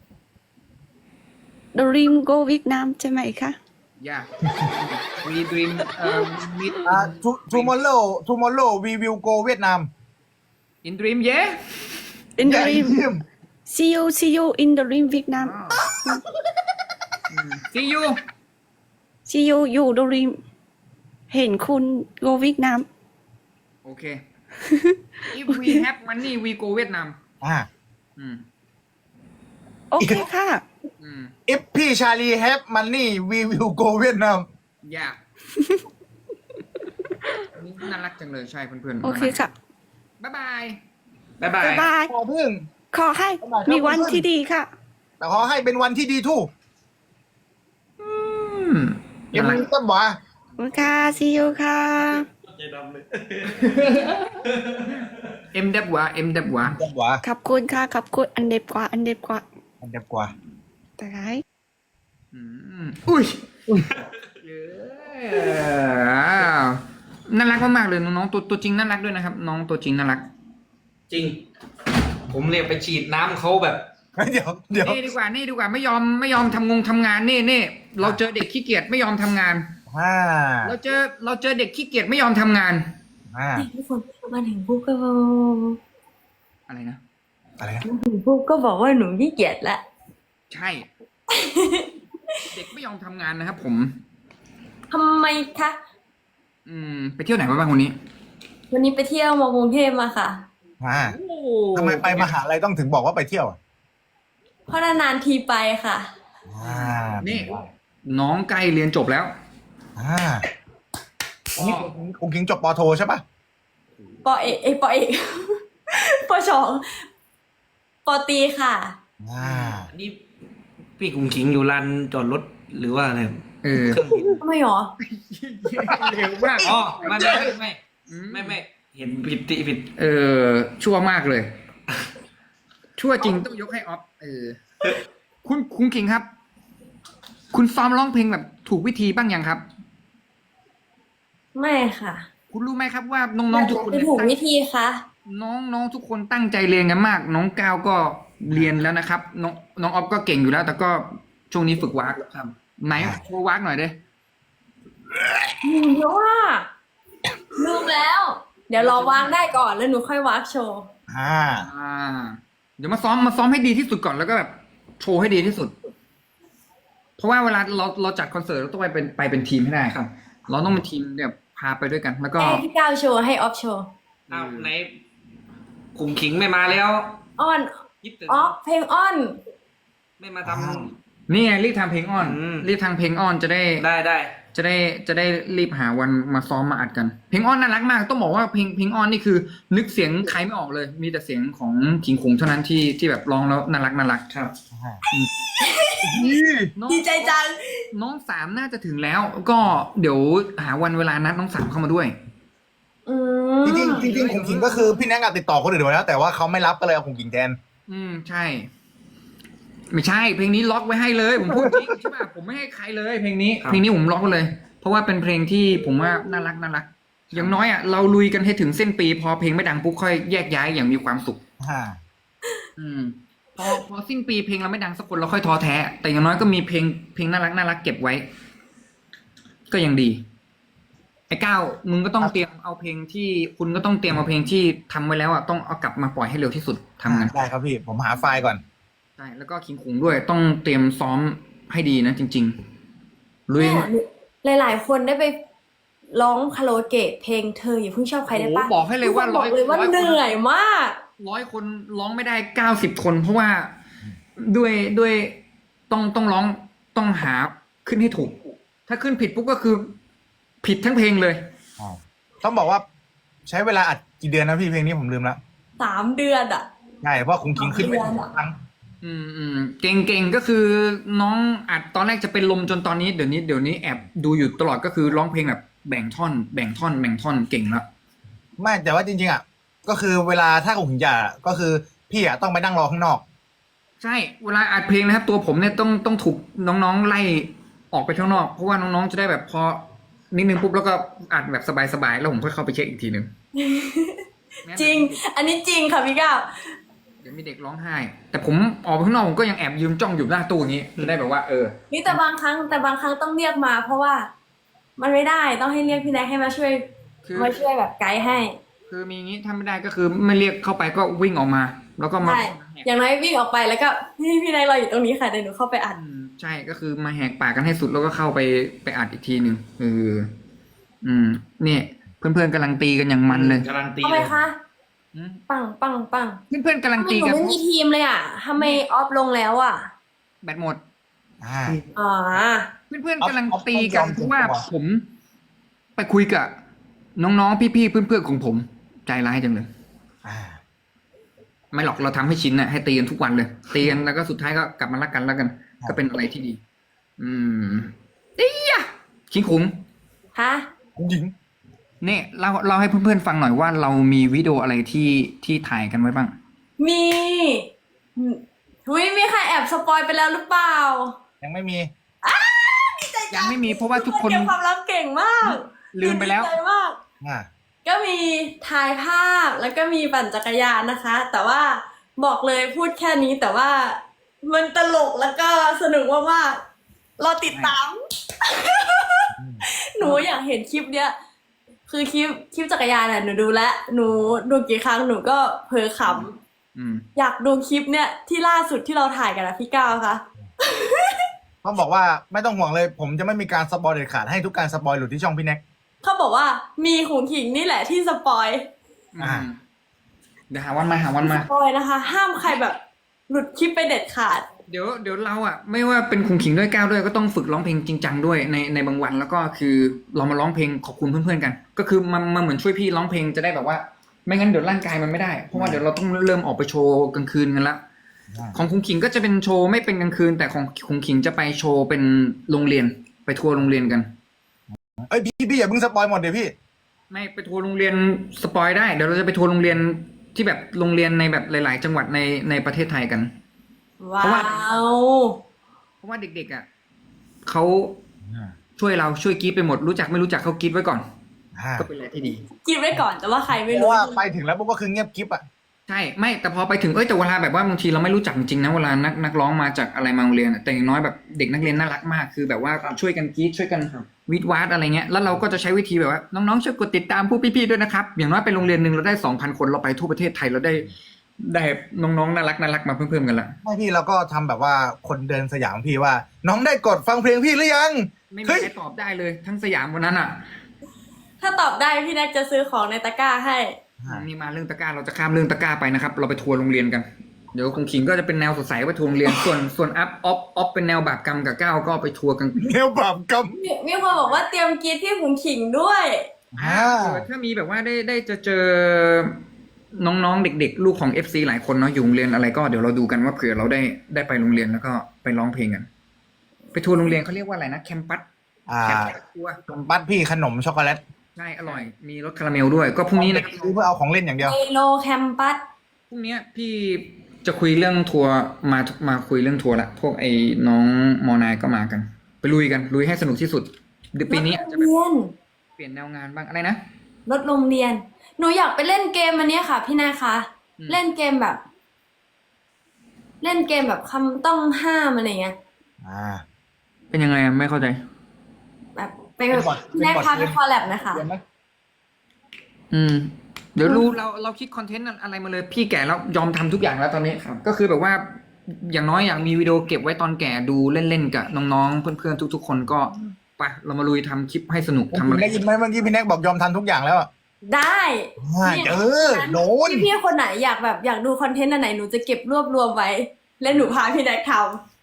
[SPEAKER 5] Dream Go เวียดนามใช่ไหมคะ
[SPEAKER 4] อย่า we dream uh, meet
[SPEAKER 1] อ่า tomorrow tomorrow we will go เวียดนาม
[SPEAKER 4] in dream yeah
[SPEAKER 5] In
[SPEAKER 1] Yeah,
[SPEAKER 5] Dream
[SPEAKER 1] him.
[SPEAKER 5] see you see you in the Dream เวียดนาม
[SPEAKER 4] see you
[SPEAKER 5] see you you Dream เห็นคุณ Go เวียดนาม
[SPEAKER 4] โอเค if we have money we go เวียดนาม
[SPEAKER 1] อ่า
[SPEAKER 4] อืม
[SPEAKER 5] โอเคค่ะ
[SPEAKER 4] อืม
[SPEAKER 1] if พี่ชาลี have money we will go เวียดนาม
[SPEAKER 4] อย่า นี่น่ารักจังเลยใช่เพื่อนๆ
[SPEAKER 5] โอเคค่ะ
[SPEAKER 4] บ๊ายบาย
[SPEAKER 3] บ๊ายบาย
[SPEAKER 5] บ๊ายบาย
[SPEAKER 1] ขอพึ่ง
[SPEAKER 5] ขอให้มีวันที่ดีค่ะ
[SPEAKER 1] แต่ขอให้เป็นวันที่ดีทู่
[SPEAKER 4] อืม
[SPEAKER 1] เอ็ม
[SPEAKER 4] น่ารัก
[SPEAKER 1] ดับหวา
[SPEAKER 5] ขอบคุณค่ะ see you ค่ะ
[SPEAKER 4] เอ็มเดบวะเอ็มเดบวะ
[SPEAKER 1] ดับหวา
[SPEAKER 5] ขอบคุณค่ะ ขอบคุณอันเด็บกว่า อันเด็บกว่า
[SPEAKER 1] อันดับกว่า
[SPEAKER 5] แต่ไร
[SPEAKER 4] อืมอุ้ยเย้น่ารักมากๆเลยน้องๆตัวตัวจริงน่ารักด้วยนะครับ น้องตัวจริงน่ารัก
[SPEAKER 3] จริง ผมเนี่ยไปฉีดน้ำเขาแบบ
[SPEAKER 1] เดี๋ยวเดี๋ยว
[SPEAKER 4] นี่ดีกว่านี่ดีกว่าไม่ยอมไม่ยอมทำงงทำงานนี่นี่เราเจอเด็กขี้เกียจไม่ยอมทำงาน
[SPEAKER 1] อ่า
[SPEAKER 4] เราเจอเราเจอเด็กขี้เกียจไม่ยอมทำงาน
[SPEAKER 1] อ่า
[SPEAKER 2] ทุกคนมาถึงปุ๊บก็
[SPEAKER 4] อะไรนะ
[SPEAKER 1] อะไรนะ
[SPEAKER 2] มาถึงปุ๊บก็บอกว่าหนูขี้เกียจละ
[SPEAKER 4] ใช่ เด็กไม่ยอมทำงานนะครับผม
[SPEAKER 2] ทำไมคะ
[SPEAKER 4] อืม ไปเที่ยวไหนมาบ้างวันนี้
[SPEAKER 2] วันนี้ไปเที่ยวมากรุงเทพมาค่ะ
[SPEAKER 1] อ่าทำไมไปมหาลัยต้องถึงบอกว่าไปเที่ยวอ่ะ
[SPEAKER 2] เพราะนานๆทีไปค่ะ
[SPEAKER 1] อ่า
[SPEAKER 4] นี่ น้องใกล้เรียนจบแล้ว
[SPEAKER 1] อ่าอันนี้คุณคิงจบปอโทใช่ปะ
[SPEAKER 2] ปอเอกเอยปอเอก ปอสองปอตีค่ะ
[SPEAKER 1] อ่า
[SPEAKER 3] นี่พี่กุ้งขิงอยู่ลานจอดรถหรือว่าอะไร
[SPEAKER 4] เออ
[SPEAKER 3] เครื่องบิน
[SPEAKER 2] ทำไมหรอ
[SPEAKER 4] เร็วมาก
[SPEAKER 3] อ๋อไม่ไม่ไม่ไม่ไม่ไม่เห็นผิดติผิด
[SPEAKER 4] เออ ชั่วมากเลย ชั่วจริงต้องยกให้ออฟ เออ คุณคุณคิงครับ คุณซ้อมร้องเพลงแบบถูกวิธีบ้างยังครับ
[SPEAKER 2] ไม่ค่ะ
[SPEAKER 4] คุณรู้ไหมครับว่าน้องๆทุกคน
[SPEAKER 2] จะ
[SPEAKER 4] เนี่ย
[SPEAKER 2] ถูก
[SPEAKER 4] ตั้ง
[SPEAKER 2] วิธีคะ
[SPEAKER 4] น้องๆทุกคนตั้งใจเรียนกันมาก น้องก้าวก็เรียนแล้วนะครับ น้องน้องออฟก็เก่งอยู่แล้ว แต่ก็ช่วงนี้ฝึกวากครับไหนโชว์วากหน่อยเด้
[SPEAKER 2] หนูเยอะว่าลืมแล้ว เดี๋ยวรอวางได้ก่อนแล้วหนูค่อยวากโชว์
[SPEAKER 1] อ่า
[SPEAKER 4] อ่า เดี๋ยวมาซ้อมมาซ้อมให้ดีที่สุดก่อนแล้วก็แบบโชว์ให้ดีที่สุด เพราะว่าเวลาเราเราจัดคอนเสิร์ตเราต้องไปเป็นไปเป็นทีมให้ได้ครับ เราต้องเป็นทีมเนี่ยพาไปด้วยกัน แล้วก็
[SPEAKER 2] ให้พี่ก้าวโชว์ให้ออฟโชว์
[SPEAKER 3] อ้าวไหนกุ้งขิงไม่มาแล้ว
[SPEAKER 2] อ้อน
[SPEAKER 3] คิดถึง
[SPEAKER 2] ออฟเพลงอ้อน
[SPEAKER 3] ไม่มาท
[SPEAKER 4] นี่ไงรีบทำเพลงออน
[SPEAKER 3] อืม
[SPEAKER 4] รีบทำเพลงออนจะได้
[SPEAKER 3] ำได้ได้
[SPEAKER 4] จะได้จะได้รีบหาวันมาซ้อมมาอัดกัน เพลงออนน่ารักมาก ต้องบอกว่าเพลงเพลงออนนี่คือ นึกเสียงใครไม่ออกเลย มีแต่เสียงของขิงคงเท่านั้นที่ที่แบบร้องแล้วน่ารักน่ารัก
[SPEAKER 3] ครับ
[SPEAKER 4] น้อง
[SPEAKER 2] ดีใจจัง
[SPEAKER 4] น้องสามน่าจะถึงแล้ว ก็เดี๋ยวหาวันเวลานัดน้องสามเข้ามาด้วย
[SPEAKER 2] อืม
[SPEAKER 1] จริงๆจริงๆของคิงก็คือพี่แนกอะติดต่อคนอื่นไว้แล้ว แต่ว่าเขาไม่รับก็เลยเอาของคิงแทน
[SPEAKER 4] อืมใช่ ไม่ใช่ เพลงนี้ล็อกไว้ให้เลย ผมพูดจริงใช่ป่ะผมไม่ให้ใครเลย เพลงนี้
[SPEAKER 3] ครับ
[SPEAKER 4] เพลงนี้ผมล็อกไว้เลย เพราะว่าเป็นเพลงที่ผมว่าน่ารักน่ารัก อย่างน้อยอ่ะเราลุยกันให้ถึงเส้นปี พอเพลงไม่ดังปุ๊บค่อยแยกย้ายอย่างมีความสุข
[SPEAKER 1] อ่า
[SPEAKER 4] อืมพอพอสิ้นปีเพลงเราไม่ดังสักคนเราค่อยท้อแท้ แต่อย่างน้อยก็มีเพลงเพลงน่ารักน่ารักเก็บไว้ ก็ยังดี ไอ้ก้าวมึงก็ต้องเตรียมเอาเพลงที่คุณก็ต้องเตรียมเอาเพลงที่ทำไว้แล้วอ่ะต้องเอากลับมาปล่อยให้เร็วที่สุดทำกัน
[SPEAKER 1] ได้ครับพี่ ผมหาไฟล์ก่อน
[SPEAKER 4] ใช่แล้วก็คิงคุงด้วยต้องเตรียมซ้อมให้ดีนะจริงๆลุย
[SPEAKER 2] เนี่ยหลายๆคนได้ไปร้องคาราโอเกะเพลงเธออย่าเพิ่งชอบใครได้ปะ
[SPEAKER 4] โอ้โหบอกให้เลยว่า
[SPEAKER 2] ทุกคนบอกเลยว่า
[SPEAKER 4] ร้อยคน
[SPEAKER 2] เหนื่อยมาก
[SPEAKER 4] ร้อยคนร้องไม่ได้เก้าสิบคน เพราะว่าด้วยด้วยต้องต้องร้องต้องหาขึ้นให้ถูก ถ้าขึ้นผิดปุ๊บก็คือ ผิดทั้งเพลงเลย
[SPEAKER 1] ต้องบอกว่าใช้เวลาอัดกี่เดือนนะพี่เพลงนี้ผมลืมละ
[SPEAKER 2] สามเดือนอ่ะ
[SPEAKER 1] ใช่เพราะคุงคิงขึ้นไป
[SPEAKER 2] สามเดือนอะ
[SPEAKER 1] ครั้ง
[SPEAKER 4] อืมอืมเก่งเก่งก็คือน้องอัดตอนแรกจะเป็นลมจนตอนนี้เดี๋ยวนี้เดี๋ยวนี้แอบดูอยู่ตลอดก็คือร้องเพลงแบบแบ่งท่อน แบ่งท่อนแบ่งท่อนเก่งละ
[SPEAKER 1] ไม่แต่ว่าจริงๆอ่ะก็คือเวลาถ้าคุงคิงจะก็คือพี่อ่ะต้องไปนั่งรอข้างนอก
[SPEAKER 4] ใช่เวลาอัดเพลงนะครับ ตัวผมเนี่ยต้องต้องถูกน้องๆไล่ออกไปข้างนอกเพราะว่าน้องๆจะได้แบบพอนิดนึงปุ๊บแล้วก็อัดแบบสบายๆแล้วผมค่อยเข้าไปเช็คอีกทีหนึ่ง
[SPEAKER 2] จริง อันนี้จริงค่ะพี่ก้าว
[SPEAKER 4] เดี๋ยวมีเด็กร้องไห้ แต่ผมออกไปข้างนอกผมก็ยังแอบยืมจ้องอยู่หน้าตู้อย่างนี้จะได้แบบว่าเออ
[SPEAKER 2] นี่แต่บางครั้งแต่บางครั้งต้องเรียกมา เพราะว่า มันไม่ได้ต้องให้เรียกพี่แน็กให้มาช่วย
[SPEAKER 4] คือ
[SPEAKER 2] มาช่วยแบบไกด์ให้
[SPEAKER 4] คือมีอย่างนี้ถ้าไม่ได้ก็คือไม่เรียกเข้าไปก็วิ่งออกมา แล้วก็มา
[SPEAKER 2] ใช่อย่างน้อยวิ่งออกไปแล้วก็พี่พี่แน็กรออยู่ตรงนี้ค่ะเดี๋ยวหนูเข้าไปอัด
[SPEAKER 4] อืมใช่ก็คือมาแหกปากกันให้สุดแล้วก็เข้าไปไปอัดอีกทีหนึ่งเอออืมเนี่ยเพื่อนๆกำลังตีกันอย่างมันเลย
[SPEAKER 3] การันตี
[SPEAKER 2] ทำไม
[SPEAKER 3] เลย
[SPEAKER 2] คะ
[SPEAKER 4] อืม
[SPEAKER 2] ปังปังปัง
[SPEAKER 4] เพื่อนๆกำลัง
[SPEAKER 2] ทำไม
[SPEAKER 4] ตี
[SPEAKER 2] หนู
[SPEAKER 4] กัน
[SPEAKER 2] ไม่มีทีมเลยอ่ะทำไมออฟลงแล้วอ่ะ
[SPEAKER 4] แบตหมด
[SPEAKER 1] อ่า
[SPEAKER 2] อ๋อ
[SPEAKER 4] เพื่อนๆกำลังตีกัน
[SPEAKER 1] เอาเอา
[SPEAKER 4] เพราะว่า
[SPEAKER 1] เอา
[SPEAKER 4] ผม ไปคุยกับน้องๆพี่ๆเพื่อนๆของผม ใจร้ายจังเลย
[SPEAKER 1] อ่า
[SPEAKER 4] ไม่หรอกเราทำให้ชินน่ะให้ตีกันทุกวันเลยตีกันแล้วก็สุดท้ายก็กลับมารักกันแล้วกัน ก็เป็นอะไรที่ดี อืมเอียะคิงขุง
[SPEAKER 2] ฮะ
[SPEAKER 1] คุงคิง
[SPEAKER 4] เนี่ยเราเราให้เพื่อนๆฟังหน่อยว่าเรามีวิดีโออะไรที่ที่ถ่ายกันไว้บ้าง
[SPEAKER 2] มีหุยมีใครแอบสปอยไปแล้วหรือเปล่า
[SPEAKER 1] ยังไม่มี
[SPEAKER 4] ยังไม่มีเพราะว่าทุกคน
[SPEAKER 2] เก็บความลับเก่งมาก
[SPEAKER 4] ลืมไปแล้ว
[SPEAKER 2] ดีใจมาก
[SPEAKER 1] อ่า
[SPEAKER 2] ก็มีถ่ายภาพแล้วก็มีปั่นจักรยานนะคะ แต่ว่าบอกเลยพูดแค่นี้แต่ว่ามันตลกแล้วก็สนุกมากๆรอติดตาม หนูอยากเห็นคลิปเนี้ยคือคลิปคลิปจักรยานน่ะหนูดูแล้วหนูดูกี่ครั้งหนูก็เผลอข
[SPEAKER 4] อืม
[SPEAKER 2] ำอยากดูคลิปเนี้ยที่ล่าสุดที่เราถ่ายกันนะพี่ก้าวคะ
[SPEAKER 1] ต้องบอกว่าไม่ต้องห่วงเลย ผมจะไม่มีการสปอยเด็ดขาดให้ทุกการสปอยหลุดที่ช่องพี่แน็ก
[SPEAKER 2] เขาบอกว่ามีขุงขิงนี่แหละที่สปอย
[SPEAKER 1] อ่า
[SPEAKER 4] เดี๋ยวหาวันมาหาวันมา
[SPEAKER 2] สปอยนะคะ ห้ามใครแบบหลุดคลิปไปเด็ดขาด
[SPEAKER 4] เดี๋ยวเดี๋ยวเราอ่ะไม่ว่าเป็นคุงขิงด้วยก้าวด้วยก็ต้องฝึกร้องเพลงจริงจังด้วยในในบางวันแล้วก็คือเรามาร้องเพลงขอบคุณเพื่อนๆกัน ก็คือมันมันเหมือนช่วยพี่ร้องเพลงจะได้แบบว่า ไม่งั้นเดี๋ยวร่างกายมันไม่ได้เพราะว่าเดี๋ยวเราต้องเริ่มออกไปโชว์กลางคืนกันละ
[SPEAKER 1] อ่า
[SPEAKER 4] ของคุงขิงก็จะเป็นโชว์ไม่เป็นกลางคืน แต่ของคุงขิงจะไปโชว์เป็นโรงเรียนไปทัวร์โรงเรียนกัน
[SPEAKER 1] เอ้ยพี่พี่อย่าเพิ่งสปอยหมดเดี๋ยวพี่
[SPEAKER 4] ไม่ไปทัวร์โรงเรียนสปอยได้เดี๋ยวเราจะไปทัวร์โรงเรียนที่แบบโรงเรียนในแบบหลาย ๆ จังหวัดในในประเทศไทยกัน
[SPEAKER 2] ว้า
[SPEAKER 4] เพราะว่า
[SPEAKER 2] ว
[SPEAKER 4] เพราะว่าเด็กๆอ่ะเขาช่วยเราช่วยกรีดไปหมดรู้จักไม่รู้จักเขากรีดไว้ก่อน
[SPEAKER 1] อ่า
[SPEAKER 4] ก็เป็นอะไรที่ดี
[SPEAKER 2] กินไว้ก่อนแต่ว่าใครไม่
[SPEAKER 1] เพ
[SPEAKER 2] รู้
[SPEAKER 1] ราะว่าไปถึงแล้วปุ๊บก็คือเงียบกิ๊บอ่ะ
[SPEAKER 4] ใช่ไม่แต่พอไปถึงเอ้ยแต่เวลาแบบว่าบางทีเราไม่รู้จักจริงๆนะเวลานักนักร้องมาจากอะไรมาโรงเรียนอะแต่อย่างน้อยแบบเด็กนักเรียนน่ารักมากคือแบบว่าช่วยกันกรีดช่วยกันวิดวาดอะไรเงี้ยแล้วเราก็จะใช้วิธีแบบว่าน้องๆช่วยกดติดตามผู้พี่ๆด้วยนะครับอย่างน้อยไปโรงเรียนหนึ่งเราได้สองพันคนเราไปทั่วประเทศไทยเราได้ได้น้องๆน่ารักน่ารักมาเพิ่มๆกันละ
[SPEAKER 1] ไม่พี่เราก็ทำแบบว่าคนเดินสยามพี่ว่า น้องได้กดฟังเพลงพี่หรือยัง
[SPEAKER 4] ไม่มี
[SPEAKER 1] เฮ้ย
[SPEAKER 4] ใครตอบได้เลยทั้งสยามวันนั้นอ่ะ
[SPEAKER 2] ถ้าตอบได้พี่แน็กจะซื้อของในตะกร้าให้
[SPEAKER 4] นี่มาเรื่องตะกร้าเราจะข้ามเรื่องตะกร้าไปนะครับ เราไปทัวร์โรงเรียนกัน เดี๋ยวคงขิงก็จะเป็นแนวสดใสไปทัวร์โรงเรียน ส่วนส่วนอัพออฟออฟเป็นแนวบาปกรรมกับก้าวก็ไปทัวร์กัน
[SPEAKER 1] แนวบาปกรรม
[SPEAKER 2] มีมีคนบอกว่าเตรียมกรีดที่ขุงขิงด้วย
[SPEAKER 1] อ่า
[SPEAKER 4] เออถ้ามีแบบว่าได้ได้จะเจอน้องๆเด็กๆ ลูกของ เอฟ ซี หลายคนเนาะอยู่โรงเรียนอะไรก็เดี๋ยวเราดูกันว่าเผื่อเราได้ได้ไปโรงเรียนแล้วก็ไปร้องเพลงกัน ไปทัวร์โรงเรียนเขาเรียกว่าอะไรนะแคมปัส
[SPEAKER 1] อ่า
[SPEAKER 4] แคมปัสทัวร์
[SPEAKER 1] บัตพี่ขนมช็อกโกแลต
[SPEAKER 4] ใช่อร่อย มีรสคาราเมลด้วย ก็พรุ่งนี้นะ
[SPEAKER 1] ซื้อเพื่อเอาของเล่นอย่างเดียว
[SPEAKER 2] เอโลแคมปัส
[SPEAKER 4] พรุ่งนี้พี่จะคุยเรื่องทัวร์มามาคุยเรื่องทัวร์ละพวกไอ้น้องมอนายก็มากัน ไปลุยกันลุยให้สนุกที่สุดเดี๋ยวปีนี้อาจจะแบบ
[SPEAKER 2] เรียน
[SPEAKER 4] เปลี่ยนแนวงานบ้างอะไรนะ
[SPEAKER 2] รถโรงเรียน หนูอยากไปเล่นเกมอันเนี้ยค่ะ พี่นายคะ
[SPEAKER 4] อืม
[SPEAKER 2] เล่นเกมแบบ เล่นเกมแบบคำต้องห้ามอะไรเงี้ย
[SPEAKER 1] อ่า
[SPEAKER 4] เป็นยังไงอะไม่เข้าใจ
[SPEAKER 2] แบบไป
[SPEAKER 1] เป็นบอท
[SPEAKER 2] พี่นายพา
[SPEAKER 1] เป็
[SPEAKER 2] ไป
[SPEAKER 1] นบอท
[SPEAKER 2] คอลแลบนะคะ
[SPEAKER 1] เรียนไหม
[SPEAKER 4] อืม เดี๋ยวรู้เราเราคิดคอนเทนต์อะไรมาเลยพี่แก่แล้วยอมทำทุกอย่างแล้วตอนนี้ครับก็คือแบบว่า อย่างน้อยอยากมีวิดีโอเก็บไว้ตอนแก่ดูเล่นๆกับน้องๆเพื่อนๆทุกๆคนก็ไปเรามาลุยทำคลิปให้สนุกทำอะไร
[SPEAKER 1] ได้ยินไหมเมื่อกี้พี่แน็กบอกยอมทำทุกอย่างแล้วอะ
[SPEAKER 2] ได้
[SPEAKER 1] อ่าเออโดน
[SPEAKER 2] พี่พี่ๆคนไหนอยากแบบอยากดูคอนเทนต์อันไหนหนูจะเก็บรวบรวมไว้ แล้วหนูพาพี่แน็กท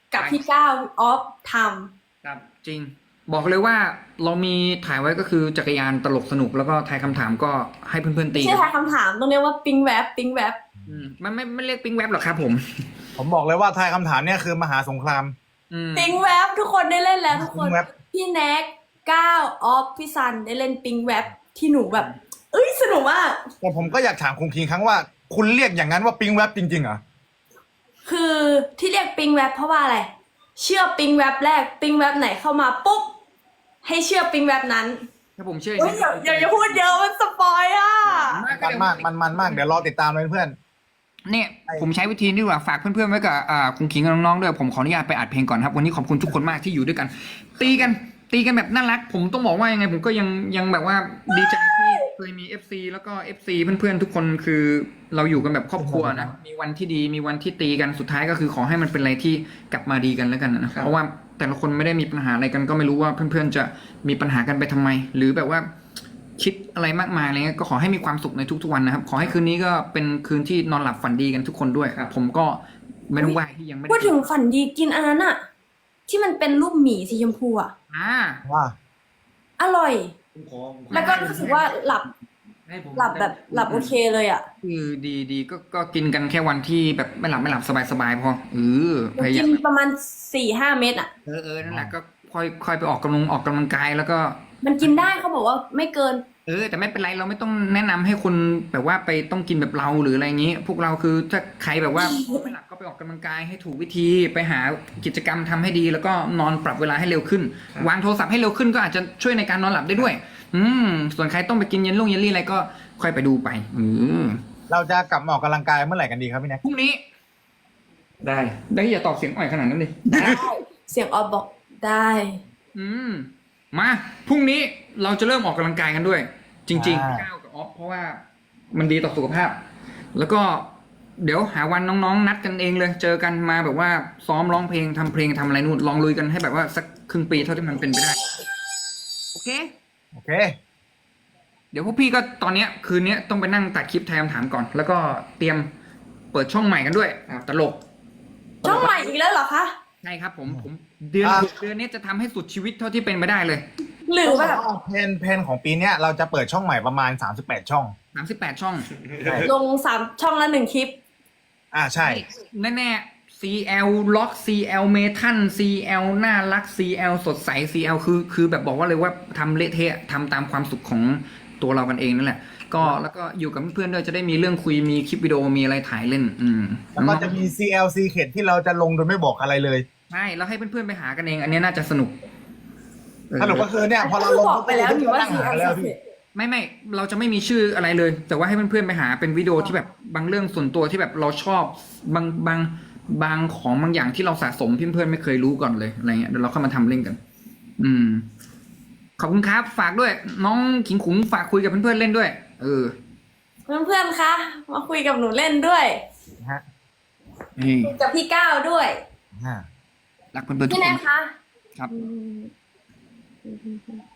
[SPEAKER 2] กับพี่ก้าวออฟท
[SPEAKER 4] ครับจริง บอกเลยว่าเรามีถ่ายไว้ก็คือจักรยานตลกสนุกแล้วก็ทายคำถามก็ให้เพื่อนๆ
[SPEAKER 2] ำ
[SPEAKER 4] ตี
[SPEAKER 2] ไม่ใช่ทายคำถามต้องเรียกว่าปิงแวบปิงแวบ
[SPEAKER 4] อืมมันไม่ไม่เรียกปิ้งแวบหรอกครับผม
[SPEAKER 1] ผมบอกเลยว่าทายคำถามเนี่ยคือมหาสงคราม
[SPEAKER 4] อืม
[SPEAKER 2] ปิงแวบทุกคนได้เล่นแล้วทุกคน
[SPEAKER 1] ปิงแวบ
[SPEAKER 2] พี่แน็กก้าวออฟพี่ซันได้เล่นปิงแวบที่หนูแบบ เอ้ยสนุกมาก
[SPEAKER 1] แต่ผมก็อยากถามคุณคิงครั้งว่า คุณเรียกอย่างนั้นว่าปิงแวบจริงๆเหรอ
[SPEAKER 2] คือที่เรียกปิงแวบเพราะว่าอะไร เชื่อปิงแวบแรกปิงแวบไหนเข้ามาปุ๊บให้เชื่อปิงแวบนั้น
[SPEAKER 4] ถ้าผมเชื่อ
[SPEAKER 2] เฮ้ยอย่าอย่าอย่าพูดเยอะมันสปอยอ่ะ
[SPEAKER 1] มันมากมันมันมากเดี๋ยวรอติดตามเลยเพื่อน
[SPEAKER 4] เนี่ยผมใช้วิธีนี้ดีกว่าฝากเพื่อนๆไว้กับอ่าคุณขิงกับน้องๆด้วยผมขออนุญาตไปอัดเพลงก่อนครับวันนี้ขอบคุณทุกคนมากที่อยู่ด้วยกัน ตีกันตีกันแบบน่ารัก ผมต้องบอกว่ายังไงผมก็ยังยังแบบว่าดีใจที่เคยมี เอฟ ซี แล้วก็ เอฟ ซี เพื่อนๆทุกคนคือเราอยู่กันแบบครอบครัวนะมีวันที่ดีมีวันที่ตีกันสุดท้ายก็คือขอให้มันเป็นอะไรที่กลับมาดีกันแล้วกันนะเพราะว่าแต่ละคนไม่ได้มีปัญหาอะไรกันก็ไม่รู้ว่าเพื่อนๆจะมีปัญหากันไปทำไม หรือแบบว่าคิดอะไรมากมายอะไรเงี้ยก็ขอให้มีความสุขในทุกๆวันนะครับขอให้คืนนี้ก็เป็นคืนที่นอนหลับฝันดีกันทุกคนด้วยครับผมก็ไม่ต้องไหวที่ยังไม่ได้
[SPEAKER 2] พูดถึงฝันดีกินอันนั้นอะที่มันเป็นรูปหมีสีชมพูอะ
[SPEAKER 4] อ่า
[SPEAKER 1] ว่า
[SPEAKER 2] อร่อย
[SPEAKER 3] ผมขอผมขอ
[SPEAKER 2] แล้วก็รู้สึกว่าหลับ
[SPEAKER 3] ให้ผม
[SPEAKER 2] หลับแบบหลับโอเคเลยอะ
[SPEAKER 4] คือดีดีก็ก็กินกันแค่วันที่แบบไม่หลับไม่หลับสบายสบายพอเออ
[SPEAKER 2] หนู
[SPEAKER 4] พยา
[SPEAKER 2] กิ
[SPEAKER 4] ยาม
[SPEAKER 2] นประมาณสี่ห้าเม็ดอะ
[SPEAKER 4] เออเออนั่นแหละก็ค่อยค่อยไปออกกำลังออกกำลังกายแล้วก็
[SPEAKER 2] มันกินได้เขาบอกว่าไม่เกิน
[SPEAKER 4] เออแต่ไม่เป็นไรเราไม่ต้องแนะนำให้คนแบบว่าไปต้องกินแบบเราหรืออะไรอย่างนี้ พวกเราคือถ้าใครแบบว่า ไม่หลับก็ไปออกกำลังกายให้ถูกวิธีไปหากิจกรรมทำให้ดี แล้วก็นอนปรับเวลาให้เร็วขึ้น วางโทรศัพท์ให้เร็วขึ้นก็อาจจะช่วยในการนอนหลับได้ด้วย อืมส่วนใครต้องไปกินเย็นลงเยลลี่อะไรก็ค่อยไปดูไปอืม
[SPEAKER 1] เราจะกลับมาออกกำลังกายเมื่อไหร่กันดีครับพี่แน็ก
[SPEAKER 4] พรุ่งนี้
[SPEAKER 3] ได้
[SPEAKER 4] ได้อย่าตอบเสียงอ่อยขนาดนั้นเลย
[SPEAKER 2] ได้เสียงออฟบอกได้
[SPEAKER 4] อืมมาพรุ่งนี้เราจะเริ่มออกกำลังกายกันด้วย จริงๆก้าวกับออฟเพราะว่ามันดีต่อสุขภาพ แล้วก็เดี๋ยวหาวันน้องๆ นัดกันเองเลย เจอกันมาแบบว่าซ้อมร้องเพลงทำเพลงทำอะไรนู่นลองลุยกันให้แบบว่าสักครึ่งปีเท่าที่มันเป็นไปได้ โอเค
[SPEAKER 1] โอเค
[SPEAKER 4] เดี๋ยวพวกพี่ก็ตอนเนี้ยคืนนี้ต้องไปนั่งตัดคลิปทายคำถามก่อน แล้วก็เตรียมเปิดช่องใหม่กันด้วยอ่าตลก
[SPEAKER 2] ช่องใหม่อีกแล้วเหรอคะ
[SPEAKER 4] ใช่ครับผมผมเดือน
[SPEAKER 1] อ่า
[SPEAKER 4] เดือนนี้จะทำให้สุดชีวิตเท่าที่เป็นไปได้เลย
[SPEAKER 2] หรือแบบ
[SPEAKER 1] เพนเพนของปีเนี้ยเราจะเปิดช่องใหม่ประมาณสามสิบแปดช่อง
[SPEAKER 4] สามสิบแปดช่อง
[SPEAKER 2] ลงสามช่องละหนึ่งคลิป
[SPEAKER 1] อ่าใช่
[SPEAKER 4] แน่ๆ ซี แอล ล็อก ซี แอล เมทัล ซี แอล น่ารัก ซี แอล สดใส ซี แอล คือคือแบบบอกว่าเลยว่าทำเละเทะทำตามความสุขของตัวเรากันเองนั่นแหละ ก็แล้วก็อยู่กับเพื่อนๆด้วยจะได้มีเรื่องคุยมีคลิปวิดีโอมีอะไรถ่ายเล่น อืม
[SPEAKER 1] แล้วก็จะมี ซี แอล Secret ที่เราจะลงโดยไม่บอกอะไรเลย
[SPEAKER 4] ใช่แล้วให้เพื่อนๆไปหากันเอง อันนี้น่าจะสนุกเออ
[SPEAKER 1] สรุปก็คือเนี่ยพอเราลง
[SPEAKER 2] บอกไปแล้วนี่ว่า
[SPEAKER 1] นั่ง
[SPEAKER 2] สี
[SPEAKER 1] หา
[SPEAKER 2] อัน
[SPEAKER 1] แล้ว
[SPEAKER 2] สิ
[SPEAKER 1] พี่
[SPEAKER 4] ไม่ไม่เราจะไม่มีชื่ออะไรเลย แต่ว่าให้เพื่อนๆไปหาเป็นวิดีโอที่แบบบางเรื่องส่วนตัวที่แบบเราชอบบางบางบางของบางอย่างที่เราสะสมเพื่อนๆไม่เคยรู้ก่อนเลยอะไรเงี้ยเดี๋ยวเราเข้ามาทำเล่นกัน อืม ขอบคุณครับฝากด้วย น้องขิงขุงฝากคุยกับเพื่อนๆเล่นด้วย เออ
[SPEAKER 2] เพื่อนๆคะมาคุยกับหนูเล่นด้วย
[SPEAKER 1] ฮะ
[SPEAKER 4] นี่
[SPEAKER 2] กับพี่ก้าวด้วย
[SPEAKER 1] อ่า
[SPEAKER 4] รักเพื่อนๆทุก
[SPEAKER 2] พี่
[SPEAKER 4] ค
[SPEAKER 2] แน
[SPEAKER 4] น
[SPEAKER 2] นคะ
[SPEAKER 4] ครับ
[SPEAKER 2] อืม